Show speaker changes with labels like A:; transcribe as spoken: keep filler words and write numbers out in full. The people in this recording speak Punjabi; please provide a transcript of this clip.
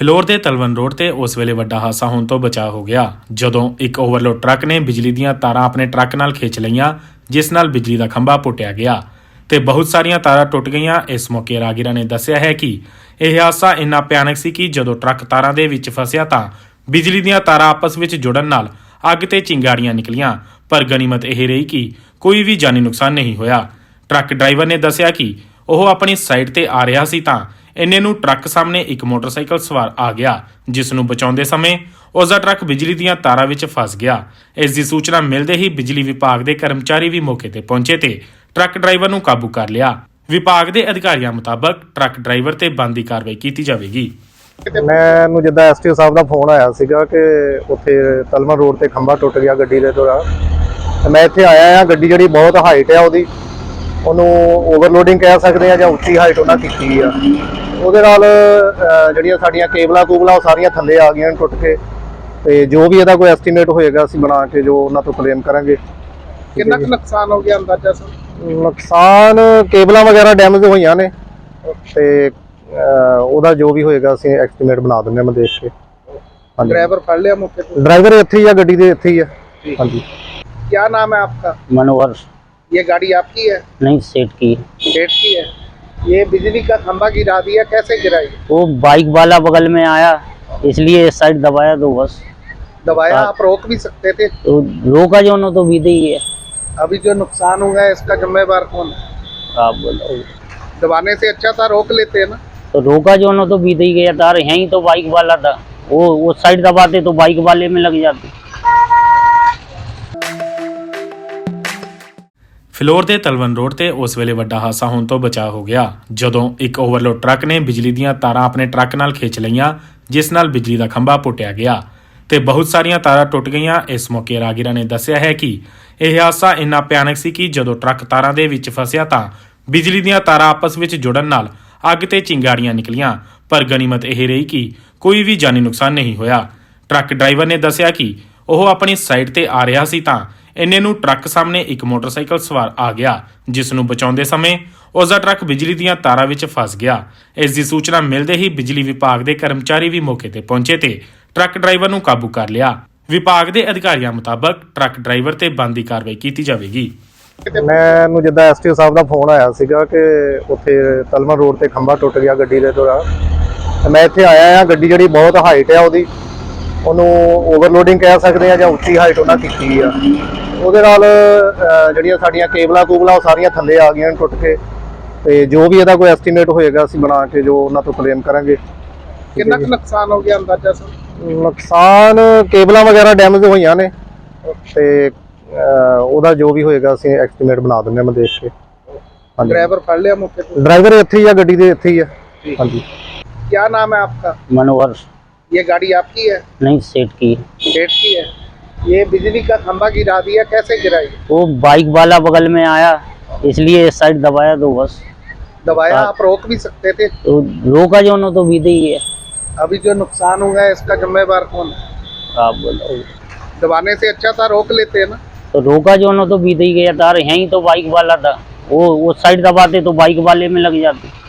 A: ਫਿਲੌਰ ਦੇ ਤਲਵਣ ਰੋਡ ਤੇ ਉਸ ਵੇਲੇ ਵੱਡਾ ਹਾਦਸਾ ਹੋਣ ਤੋਂ ਬਚਾ ਹੋ ਗਿਆ ਜਦੋਂ ਇੱਕ ਓਵਰਲੋਡ ਟਰੱਕ ਨੇ ਬਿਜਲੀ ਦੀਆਂ ਤਾਰਾਂ ਆਪਣੇ ਟਰੱਕ ਨਾਲ ਖਿੱਚ ਲਈਆਂ, ਜਿਸ ਨਾਲ ਬਿਜਲੀ ਦਾ ਖੰਭਾ ਪੁੱਟਿਆ ਗਿਆ ਤੇ ਬਹੁਤ ਸਾਰੀਆਂ ਤਾਰਾਂ ਟੁੱਟ ਗਈਆਂ। ਇਸ ਮੌਕੇ ਰਾਹਗੀਰਾਂ ਨੇ ਦੱਸਿਆ ਹੈ ਕਿ ਇਹ ਹਾਦਸਾ ਇੰਨਾ ਭਿਆਨਕ ਸੀ ਕਿ ਜਦੋਂ ਟਰੱਕ ਤਾਰਾਂ ਦੇ ਵਿੱਚ ਫਸਿਆ ਤਾਂ ਬਿਜਲੀ ਦੀਆਂ ਤਾਰਾਂ ਆਪਸ ਵਿੱਚ ਜੁੜਨ ਨਾਲ ਅੱਗ ਤੇ ਚਿੰਗਾਰੀਆਂ ਨਿਕਲੀਆਂ, ਪਰ ਗਨੀਮਤ ਇਹ ਰਹੀ ਕਿ ਕੋਈ ਵੀ ਜਾਨੀ ਨੁਕਸਾਨ ਨਹੀਂ ਹੋਇਆ। ਟਰੱਕ ਡਰਾਈਵਰ ਨੇ ਦੱਸਿਆ ਕਿ ਉਹ ਆਪਣੀ ਸਾਈਡ ਤੇ ਆ ਰਿਹਾ ਸੀ ਤਾਂ ਇੰਨੇ ਨੂੰ ਟਰੱਕ ਸਾਹਮਣੇ ਇੱਕ ਮੋਟਰਸਾਈਕਲ ਸਵਾਰ ਆ ਗਿਆ, ਜਿਸ ਨੂੰ ਬਚਾਉਂਦੇ ਸਮੇਂ ਉਸ ਦਾ ਟਰੱਕ ਬਿਜਲੀ ਦੀਆਂ ਤਾਰਾਂ ਵਿੱਚ ਫਸ ਗਿਆ। ਇਸ ਦੀ ਸੂਚਨਾ ਮਿਲਦੇ ਹੀ ਬਿਜਲੀ ਵਿਭਾਗ ਦੇ ਕਰਮਚਾਰੀ ਵੀ ਮੌਕੇ ਤੇ ਪਹੁੰਚੇ ਤੇ ਟਰੱਕ ਡਰਾਈਵਰ ਨੂੰ ਕਾਬੂ ਕਰ ਲਿਆ। ਵਿਭਾਗ ਦੇ ਅਧਿਕਾਰੀਆਂ ਮੁਤਾਬਕ ਟਰੱਕ ਡਰਾਈਵਰ ਤੇ ਬਣਦੀ ਕਾਰਵਾਈ ਕੀਤੀ ਜਾਵੇਗੀ।
B: ਮੈਨੂੰ ਜਿੱਦਾਂ ਐਸਟੀਓ ਸਾਹਿਬ ਦਾ ਫੋਨ ਆਇਆ ਸੀਗਾ ਕਿ ਉੱਥੇ ਤਲਵਣ ਰੋਡ ਤੇ ਖੰਭਾ ਟੁੱਟ ਗਿਆ ਗੱਡੀ ਦੇ ਦੌਰਾਨ। ਮੈਂ ਇੱਥੇ ਆਇਆ ਆ। ਗੱਡੀ ਜਿਹੜੀ ਬਹੁਤ ਹਾਈਟ ਆ, ਉਹਦੀ ਉਹਨੂੰ ਓਵਰਲੋਡਿੰਗ ਕਹਿ ਸਕਦੇ ਆ ਜਾਂ ਉੱਚੀ ਹਾਈਟ ਉਹਨਾਂ ਕੀਤੀ ਆ। ਉਹਦੇ ਨਾਲ ਜਿਹੜੀਆਂ ਸਾਡੀਆਂ ਕੇਬਲਾਂ ਕੂਬਲਾਂ ਉਹ ਸਾਰੀਆਂ ਥੱਲੇ ਆ ਗਈਆਂ ਟੁੱਟ ਕੇ, ਤੇ ਜੋ ਵੀ ਇਹਦਾ ਕੋਈ ਐਸਟੀਮੇਟ ਹੋਏਗਾ ਅਸੀਂ ਬਣਾ ਕੇ ਜੋ ਉਹਨਾਂ ਤੋਂ ਕਲੇਮ ਕਰਾਂਗੇ।
C: ਕਿੰਨਾ ਕੁ ਨੁਕਸਾਨ ਹੋ ਗਿਆ ਅੰਦਾਜ਼ਾ ਸਰ?
B: ਨੁਕਸਾਨ ਕੇਬਲਾਂ ਵਗੈਰਾ ਡੈਮੇਜ ਹੋਈਆਂ ਨੇ ਤੇ ਉਹਦਾ ਜੋ ਵੀ ਹੋਏਗਾ ਅਸੀਂ ਐਸਟੀਮੇਟ ਬਣਾ ਦਿੰਦੇ ਹਾਂ ਮੈਂ ਦੇਖ ਕੇ।
C: ड्राइवर फड़ लिया मौके पे?
B: ड्राइवर ਇੱਥੇ ਹੀ ਆ, ਗੱਡੀ ਦੇ ਇੱਥੇ ਹੀ ਆ। ਹਾਂਜੀ।
C: क्या नाम है आपका?
D: मनोहर।
C: ये गाड़ी आपकी है?
D: नहीं, सेठ की।
C: सेठ की है। ये बिजली का खंभा गिरा दिया, कैसे गिराई?
D: वो बाइक वाला बगल में आया, इसलिए इस साइड दबाया तो बस।
C: दबाया? आप रोक भी सकते थे।
D: तो रोका जो न तो बीते ही है।
C: अभी जो नुकसान हुआ है इसका जिम्मेवार कौन है?
D: आप बोलो।
C: दबाने से अच्छा था रोक लेते ना।
D: तो रोका जो न तो बीते ही गया तार, यहीं तो बाइक वाला था, वो उस साइड दबाते तो बाइक वाले में लग जाते।
A: ਫਿਲੌਰ ਦੇ ਤਲਵਣ ਰੋਡ ਤੇ ਉਸ ਵੇਲੇ ਵੱਡਾ ਹਾਦਸਾ ਹੋਣ ਤੋਂ ਬਚਾ ਹੋ ਗਿਆ ਜਦੋਂ ਇੱਕ ਓਵਰਲੋਡ ਟਰੱਕ ਨੇ ਬਿਜਲੀ ਦੀਆਂ ਤਾਰਾਂ ਆਪਣੇ ਟਰੱਕ ਨਾਲ ਖਿੱਚ ਲਈਆਂ, ਜਿਸ ਨਾਲ ਬਿਜਲੀ ਦਾ ਖੰਭਾ ਪੁੱਟਿਆ ਗਿਆ ਤੇ ਬਹੁਤ ਸਾਰੀਆਂ ਤਾਰਾਂ ਟੁੱਟ ਗਈਆਂ। ਇਸ ਮੌਕੇ ਰਾਹਗੀਰਾਂ ਨੇ ਦੱਸਿਆ ਹੈ ਕਿ ਇਹ ਹਾਦਸਾ ਇੰਨਾ ਭਿਆਨਕ ਸੀ ਕਿ ਜਦੋਂ ਟਰੱਕ ਤਾਰਾਂ ਦੇ ਵਿੱਚ ਫਸਿਆ ਤਾਂ ਬਿਜਲੀ ਦੀਆਂ ਤਾਰਾਂ ਆਪਸ ਵਿੱਚ ਜੁੜਨ ਨਾਲ ਅੱਗ ਤੇ ਚਿੰਗਾਰੀਆਂ ਨਿਕਲੀਆਂ, ਪਰ ਗਨੀਮਤ ਇਹ ਰਹੀ ਕਿ ਕੋਈ ਵੀ ਜਾਨੀ ਨੁਕਸਾਨ ਨਹੀਂ ਹੋਇਆ। ਟਰੱਕ ਡਰਾਈਵਰ ਨੇ ਦੱਸਿਆ ਕਿ ਉਹ ਆਪਣੀ ਸਾਈਡ ਤੇ ਆ ਰਿਹਾ ਸੀ ਤਾਂ ਇੰਨੇ ਨੂੰ ਟਰੱਕ ਸਾਹਮਣੇ ਇੱਕ ਮੋਟਰਸਾਈਕਲ ਸਵਾਰ ਆ ਗਿਆ, ਜਿਸ ਨੂੰ ਬਚਾਉਂਦੇ ਸਮੇਂ ਉਸ ਦਾ ਟਰੱਕ ਬਿਜਲੀ ਦੀਆਂ ਤਾਰਾਂ ਵਿੱਚ ਫਸ ਗਿਆ। ਇਸ ਦੀ ਸੂਚਨਾ ਮਿਲਦੇ ਹੀ ਬਿਜਲੀ ਵਿਭਾਗ ਦੇ ਕਰਮਚਾਰੀ ਵੀ ਮੌਕੇ ਤੇ ਪਹੁੰਚੇ ਤੇ ਟਰੱਕ ਡਰਾਈਵਰ ਨੂੰ ਕਾਬੂ ਕਰ ਲਿਆ। ਵਿਭਾਗ ਦੇ ਅਧਿਕਾਰੀਆਂ ਮੁਤਾਬਕ ਟਰੱਕ ਡਰਾਈਵਰ ਤੇ ਬਣਦੀ ਕਾਰਵਾਈ ਕੀਤੀ ਜਾਵੇਗੀ।
B: ਮੈਨੂੰ ਜਿੱਦਾਂ ਐਸਟੀਓ ਸਾਹਿਬ ਦਾ ਫੋਨ ਆਇਆ ਸੀਗਾ ਕਿ ਉੱਥੇ ਤਲਵਣ ਰੋਡ ਤੇ ਖੰਭਾ ਟੁੱਟ ਗਿਆ ਗੱਡੀ ਦੇ ਦੌਰਾਨ। ਮੈਂ ਇੱਥੇ ਆਇਆ ਆ। ਗੱਡੀ ਜਿਹੜੀ ਬਹੁਤ ਹਾਈਟ ਆ, ਉਹਦੀ ਉਹਨੂੰ ਓਵਰਲੋਡਿੰਗ ਕਹਿ ਸਕਦੇ ਆ ਜਾਂ ਉੱਚੀ ਹਾਈਟ ਉਹਨਾਂ ਕੀਤੀ ਆ। ਉਹਦੇ ਨਾਲ ਜਿਹੜੀਆਂ ਸਾਡੀਆਂ ਕੇਬਲਾਂ ਕੂਬਲਾਂ ਉਹ ਸਾਰੀਆਂ ਥੱਲੇ ਆ ਗਈਆਂ ਟੁੱਟ ਕੇ, ਤੇ ਜੋ ਵੀ ਇਹਦਾ ਕੋਈ ਐਸਟੀਮੇਟ ਹੋਏਗਾ ਅਸੀਂ ਬਣਾ ਕੇ ਜੋ ਉਹਨਾਂ ਤੋਂ ਕਲੇਮ ਕਰਾਂਗੇ।
C: ਕਿੰਨਾ ਕੁ ਨੁਕਸਾਨ ਹੋ ਗਿਆ ਅੰਦਾਜ਼ਾ ਸਰ?
B: ਨੁਕਸਾਨ ਕੇਬਲਾਂ ਵਗੈਰਾ ਡੈਮੇਜ ਹੋਈਆਂ ਨੇ ਤੇ ਉਹਦਾ ਜੋ ਵੀ ਹੋਏਗਾ ਅਸੀਂ ਐਸਟੀਮੇਟ ਬਣਾ ਦਿੰਦੇ ਹਾਂ ਮੈਂ ਦੇਖ ਕੇ।
C: ड्राइवर फड़ लिया मौके पे?
B: ड्राइवर ਇੱਥੇ ਹੀ ਆ, ਗੱਡੀ ਦੇ ਇੱਥੇ ਹੀ ਆ। ਹਾਂਜੀ।
C: क्या नाम है आपका?
D: मनोहर।
C: ये गाड़ी आपकी है?
D: नहीं, सेठ की।
C: सेठ की है। ये बिजली का खंभा गिरा दिया, कैसे गिराई?
D: वो बाइक वाला बगल में आया, इसलिए इस साइड दबाया तो बस।
C: दबाया? आप रोक भी सकते थे।
D: तो रोका जो न तो बीते ही है।
C: अभी जो नुकसान हुआ है इसका जिम्मेवार कौन है?
D: आप बोलो।
C: दबाने से अच्छा था रोक लेते ना।
D: तो रोका जो न तो बीते ही गया तार, यहीं तो बाइक वाला था, वो उस साइड दबाते तो बाइक वाले में लग जाते।